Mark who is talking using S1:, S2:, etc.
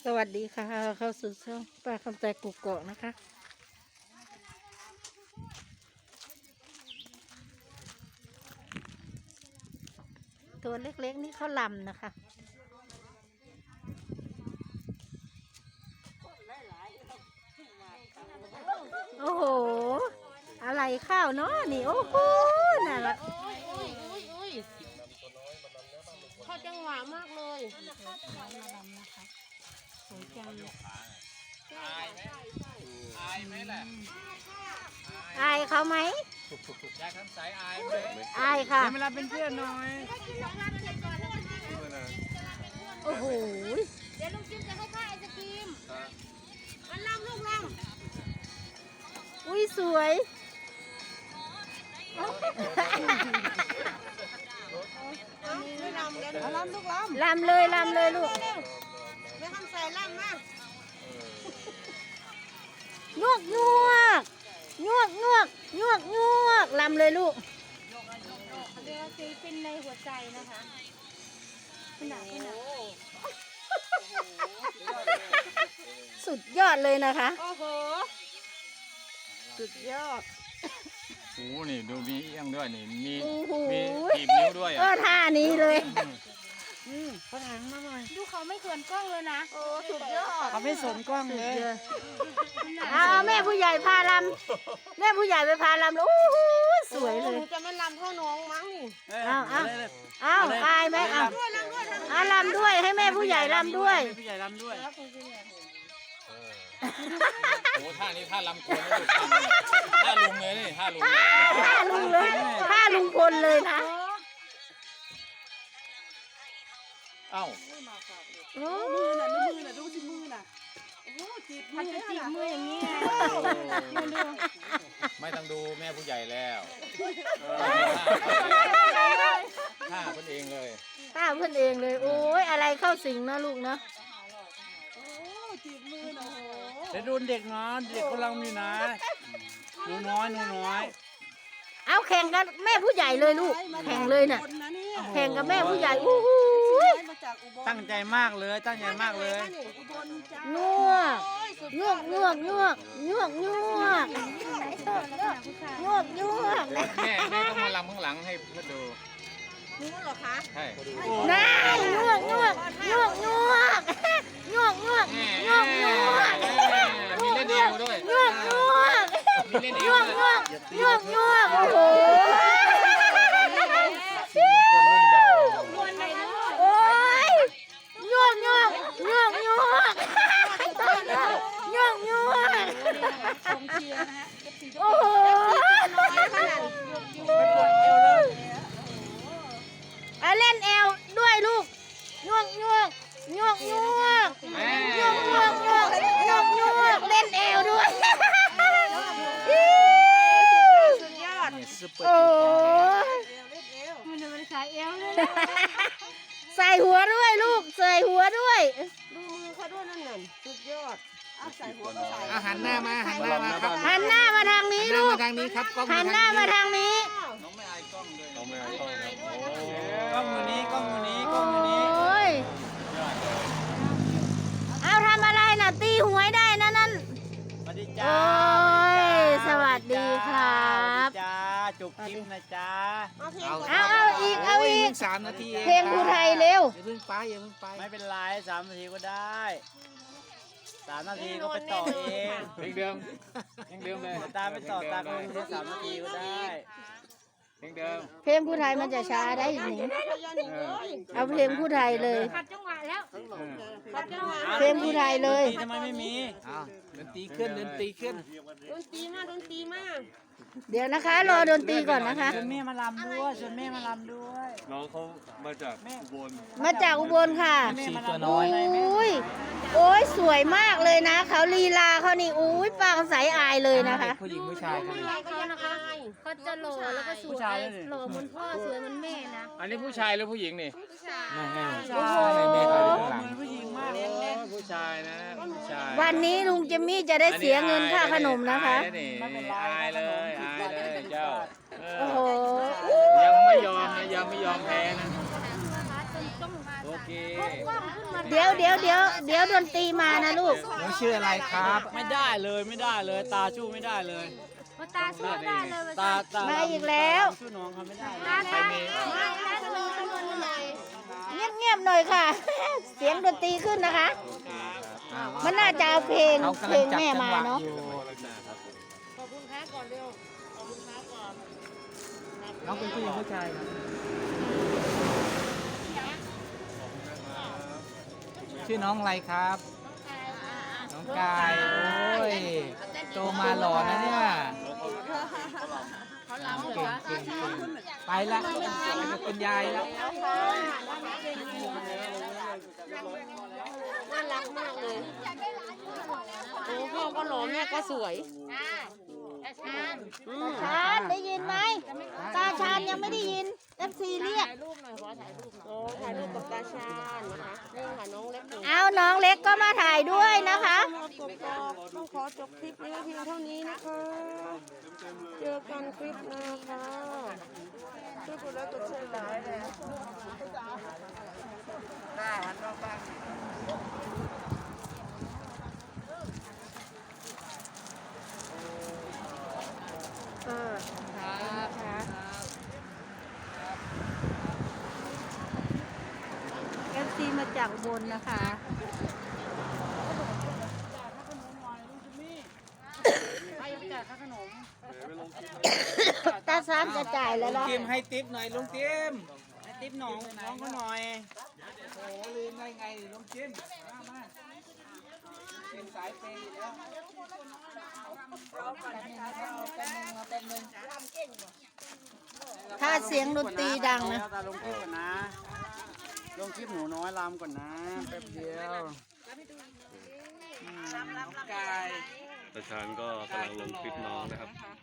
S1: สวัสดีค่ะเข้าสู่ช่องป้าคำใจกุกเกาะนะคะ ตัวเล็กๆนี่เขาลำนะคะ โอ้โห อะไรข้าวเนาะนี่โอ้โหน่ารัก
S2: เข้าจังหวะมากเลย
S1: สวยจัง
S3: อายไหมล่ะ
S1: อายเขาไหม
S3: ยายคำใสอายไหม
S1: อายค่ะ
S3: เวลาเป็นเพื่อนหน่อย
S1: โอ้โห
S2: เดี๋ยวลุงจิ้มจะให้ข้าไอศกรีมมันลำลูกลำ
S1: อุ้ยสวย
S2: ไม่ลำแล้วลำลูกลำ
S1: ลำเลยลำเลยลูก
S2: ไม่ทำใส่ลำมาก
S1: งวกงวกงวกงวกงวกงวกลำเลยลูก
S2: เดี๋ยวซีเป็นในหัวใจนะคะ
S1: สุดยอดเลยนะคะ
S2: โอ้โหสุดยอด
S3: โอ้นี่ดูมีเอียงด้วยนี่มี
S1: ถี
S3: บนิ้วด้วย
S1: ท่านี้เลย
S2: กระถางมาหน่อยดูเขาไม่เขินกล้องเลยนะโอ้สุดยอด
S1: เขาไม่สนกล้องเลยเอาแม่ผู้ใหญ่พาลำแม่ผู้ใหญ่ไปพาลำแล้วโอ้โหสวยเลย
S2: จะไม่ลำเท่าน้องมั้งนี่
S1: เอาอายไหมเอาลำด้วยให้แม่ผู้ใหญ่ลำด้วย
S3: ผู้ใหญ่ลำด้วยโอ้ท่านี้ท่าลำโคนท่าลุงเลยนี่ท่าลุงเลย
S1: ท่าลุงเลยท่าลุงพลเลยนะ
S3: เอ้า
S2: มือน่ะดูสิมือน่ะโอ้จีบมือจีบมืออย่างนี้
S3: ไม่ต้องดูแม่ผู้ใหญ่แล้วท่าเพื่อนเองเลย
S1: ท่าเพื่อนเองเลยโอ้ยอะไรเข้าสิงนะลูกเนาะ
S2: โอ้จีบมือนะโห
S3: เดี๋ยวดูเด็กนะเด็กกำลังมีนะหนูน้อย
S1: เอาแข่งกันแม่ผู้ใหญ่เลยลูกแข่งเลยน่ะแข่งกับแม่ผู้ใหญ่อู้หู
S3: ตั้งใจมากเลยตั้งใจมากเลย
S1: งวกงวกงวกงวกงวกงวกงวกงวก
S3: แม่ต้องมาลำข้างหลังให้เพื่อนดู
S2: รู้เหรอคะ
S3: ใช่
S1: น่างวกงวกงวกงวกงวกงวกงวกงวก
S3: มีเล่นเอวด้วย
S1: งวกงวก
S3: มีเล่นเอ
S1: งวกงวกงวกงวกโอ้โหโอ้ยงวกงวกงวกงวกงวกงวกโอ้โหเล่นเอวด้วยลูกงวกงวกงวกงวกงวกงวกงวกงวกงวกเล่นเอวด้วย
S2: สุดยอด
S1: โอ้
S2: มันใส่เอวเลย
S1: ใส่หัวด้วยลูกใส่หัวด้วย
S2: ดูมือเขาด้วยนั่นน่ะสุดยอดใส่หัวก็ใส่
S3: หันหน้ามาหันหน้ามาครับ
S1: หันหน้ามาทางนี้ลูก
S3: ทางนี้ครับ
S1: หันหน้ามาทางนี้
S3: น้องไม่อายกล้องเลยน้องไม่อายกล้อง
S1: กล้องมือนี้กล้องมือนี้กล้องมือนี้โอ้ยเอาทำอะไรน่ะตีหวยได้นะนั่น
S3: สวัสดีจ้า
S1: โอ้ยสวัสดีครับ
S3: จ้าจุกจิ้มนะจ้า
S1: เอาอีก
S3: 3 นาที
S1: เพลงภูไทยเร็ว
S3: อย่าเพิ่งไปไม่เป็นไร3 นาทีก็ได้3 นาทีก็ไปต่อเองเพลงเดิมเลยตามไปต่อตามไปแค่3 นาทีก็ได้เพลงเดิม
S1: เพลงผู้ไทยมันจะช้าได้หนิเอาเพลงผู้ไทยเลย
S2: ขัดจังหวะแล้ว
S1: เพลงผู้ไทยเลย
S3: ทำไมไม่มีดนตรีขึ้น
S2: ดนตรีมา
S1: เดี๋ยวนะคะรอดนตรีก่อนนะคะ
S3: ชวนแม่มาลำด้วย
S4: น้องเขามาจากอุบล
S1: ค่ะโอ้ยสวยมากเลยนะเขาลีลาเขานี่อุ้ยปางใสอายเลยนะคะ
S3: ผู้หญิงผู้ชายกัน
S2: เขานะคะเขาจะหล่อแล้วก็สวยหล่อเหมือนพ่อสวยเหมือนแม่นะ
S3: อันนี้ผู้ชายหรือผู้หญิงนี่
S2: ผู้ชาย
S3: โอ้โหผู้หญิงมากผู้ชายนะผู้ชาย
S1: วันนี้ลุงเจมมี่จะได้เสียเงินค่าขนมนะคะ
S3: อายเลยเจ้า
S1: โอ้โห
S3: ยังไม่ยอมแพ้นะโอเค
S2: กล้องขึ้นมา
S1: เดี๋ยวดนตรีมานะลูก
S5: หนูชื่ออะไรครับ
S3: ไม่ได้เลยตาชู้ไม่ได้เลย
S2: ตาสู้ได้เลย
S3: ตา
S1: มาอีกแล้ว
S3: ชู้น้องเขาไม่ได้
S2: ตาใครมี
S1: เงียบๆหน่อยค่ะ เสียงดนตรีขึ้นนะคะ มันน่าจะเอาเพลง
S5: เขา
S1: เพ
S5: กำ
S1: ล
S5: ลัง
S1: ง
S5: จับ
S1: แม่
S5: จังหวะ
S1: มาเนาะ
S5: อยู่
S2: ขอบคุณแพ้ก่อนเร็ว
S5: น้องเป็นผู้หญิงผู้ชายครับชื่อน้องอะไรครับ น้องกายโอ้ยโตมาหล่อนะเนี่ยเก่งไปละเป็นยายแล้ว
S2: น่ารักมากเลยโอ้พ่อก็หล่อแม่ก็สวย
S1: ชาญได้ยินไหมตาชาญยังไม่ได้ยิน FC เรียก
S2: โอ้ถ่ายรูปกับตาชาญนะคะนี่ค่ะน้องเล็กหนู
S1: เอาน้องเล็กก็มาถ่ายด้วยนะคะ
S2: ต้องขอจบคลิปนี้เพียงเท่านี้นะคะ เจอกันคลิปหน้าค่ะช่วยกดไลค์กดแชร์หลายเลย
S1: FC มาจากบนนะคะ ตาชาญจะจ่ายแล้วเหรอ
S5: จิมให้ติ๊บหน่อยลุงจิม
S3: ให้ติ๊บน้องเขาหน่อย
S5: โอ้ลืมได้ไงลุงจิมมาจิมสายเปย์แล้ว
S1: ถ้าเสียงดนตรีดังนะ
S3: ตาลงคลิปก่อนนะลงคลิปหนูน้อยลำก่อนนะแป๊บเดียว
S5: น้องกาย
S4: ประชานก็กำลังลงคลิปน้องนะครับ